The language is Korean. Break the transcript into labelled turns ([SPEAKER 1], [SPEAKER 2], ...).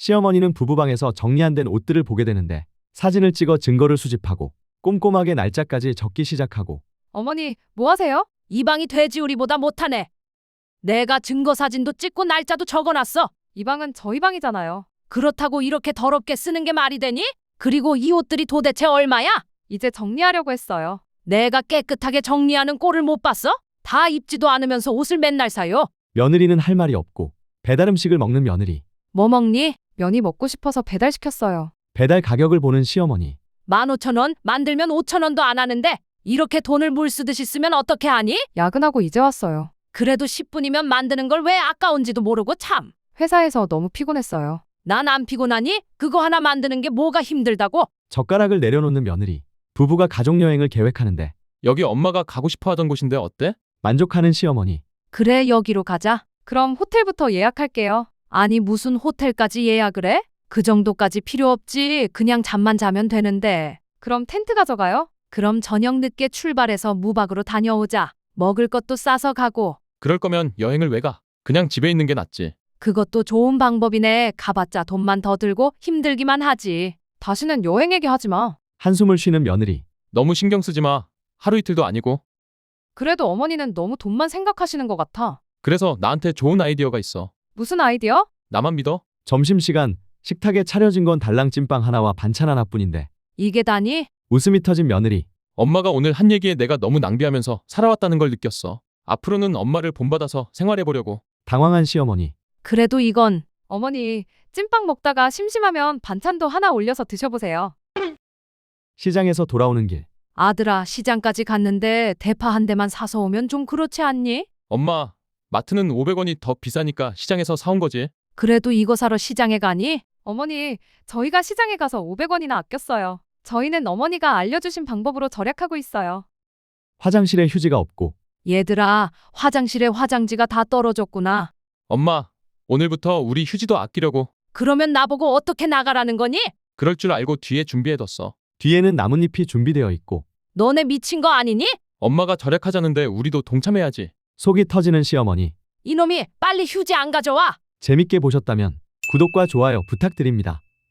[SPEAKER 1] 시어머니는 부부방에서 정리 안 된 옷들을 보게 되는데 사진을 찍어 증거를 수집하고 꼼꼼하게 날짜까지 적기 시작하고
[SPEAKER 2] 어머니, 뭐 하세요?
[SPEAKER 3] 이 방이 돼지우리보다 못하네. 내가 증거 사진도 찍고 날짜도 적어놨어.
[SPEAKER 2] 이 방은 저희 방이잖아요.
[SPEAKER 3] 그렇다고 이렇게 더럽게 쓰는 게 말이 되니? 그리고 이 옷들이 도대체 얼마야?
[SPEAKER 2] 이제 정리하려고 했어요.
[SPEAKER 3] 내가 깨끗하게 정리하는 꼴을 못 봤어? 다 입지도 않으면서 옷을 맨날 사요.
[SPEAKER 1] 며느리는 할 말이 없고 배달 음식을 먹는 며느리,
[SPEAKER 3] 뭐 먹니?
[SPEAKER 2] 면이 먹고 싶어서 배달시켰어요.
[SPEAKER 1] 배달 가격을 보는 시어머니,
[SPEAKER 3] 15,000원, 만들면 5,000원도 안 하는데 이렇게 돈을 물 쓰듯이 쓰면 어떻게 하니?
[SPEAKER 2] 야근하고 이제 왔어요.
[SPEAKER 3] 그래도 10분이면 만드는 걸 왜 아까운지도 모르고 참.
[SPEAKER 2] 회사에서 너무 피곤했어요.
[SPEAKER 3] 난 안 피곤하니? 그거 하나 만드는 게 뭐가 힘들다고?
[SPEAKER 1] 젓가락을 내려놓는 며느리, 부부가 가족여행을 계획하는데
[SPEAKER 4] 여기 엄마가 가고 싶어 하던 곳인데 어때?
[SPEAKER 1] 만족하는 시어머니,
[SPEAKER 3] 그래, 여기로 가자.
[SPEAKER 2] 그럼 호텔부터 예약할게요.
[SPEAKER 3] 아니, 무슨 호텔까지 예약을 해? 그 정도까지 필요 없지. 그냥 잠만 자면 되는데.
[SPEAKER 2] 그럼 텐트 가져가요?
[SPEAKER 3] 그럼 저녁 늦게 출발해서 무박으로 다녀오자. 먹을 것도 싸서 가고.
[SPEAKER 4] 그럴 거면 여행을 왜 가? 그냥 집에 있는 게 낫지.
[SPEAKER 3] 그것도 좋은 방법이네. 가봤자 돈만 더 들고 힘들기만 하지.
[SPEAKER 2] 다시는 여행 얘기하지 마.
[SPEAKER 1] 한숨을 쉬는 며느리,
[SPEAKER 4] 너무 신경 쓰지 마. 하루 이틀도 아니고.
[SPEAKER 2] 그래도 어머니는 너무 돈만 생각하시는 것 같아.
[SPEAKER 4] 그래서 나한테 좋은 아이디어가 있어.
[SPEAKER 2] 무슨 아이디어?
[SPEAKER 4] 나만 믿어?
[SPEAKER 1] 점심시간 식탁에 차려진 건 달랑 찐빵 하나와 반찬 하나뿐인데
[SPEAKER 3] 이게 다니?
[SPEAKER 1] 웃음이 터진 며느리,
[SPEAKER 4] 엄마가 오늘 한 얘기에 내가 너무 낭비하면서 살아왔다는 걸 느꼈어. 앞으로는 엄마를 본받아서 생활해보려고.
[SPEAKER 1] 당황한 시어머니,
[SPEAKER 3] 그래도 이건
[SPEAKER 2] 어머니, 찐빵 먹다가 심심하면 반찬도 하나 올려서 드셔보세요.
[SPEAKER 1] 시장에서 돌아오는 길,
[SPEAKER 3] 아들아, 시장까지 갔는데 대파 한 대만 사서 오면 좀 그렇지 않니?
[SPEAKER 4] 엄마, 마트는 500원이 더 비싸니까 시장에서 사온 거지.
[SPEAKER 3] 그래도 이거 사러 시장에 가니?
[SPEAKER 2] 어머니, 저희가 시장에 가서 500원이나 아꼈어요. 저희는 어머니가 알려주신 방법으로 절약하고 있어요.
[SPEAKER 1] 화장실에 휴지가 없고
[SPEAKER 3] 얘들아, 화장실에 화장지가 다 떨어졌구나.
[SPEAKER 4] 엄마, 오늘부터 우리 휴지도 아끼려고.
[SPEAKER 3] 그러면 나보고 어떻게 나가라는 거니?
[SPEAKER 4] 그럴 줄 알고 뒤에 준비해뒀어.
[SPEAKER 1] 뒤에는 나뭇잎이 준비되어 있고
[SPEAKER 3] 너네 미친 거 아니니?
[SPEAKER 4] 엄마가 절약하자는데 우리도 동참해야지.
[SPEAKER 1] 속이 터지는 시어머니.
[SPEAKER 3] 이놈이 빨리 휴지 안 가져와.
[SPEAKER 1] 재밌게 보셨다면 구독과 좋아요 부탁드립니다.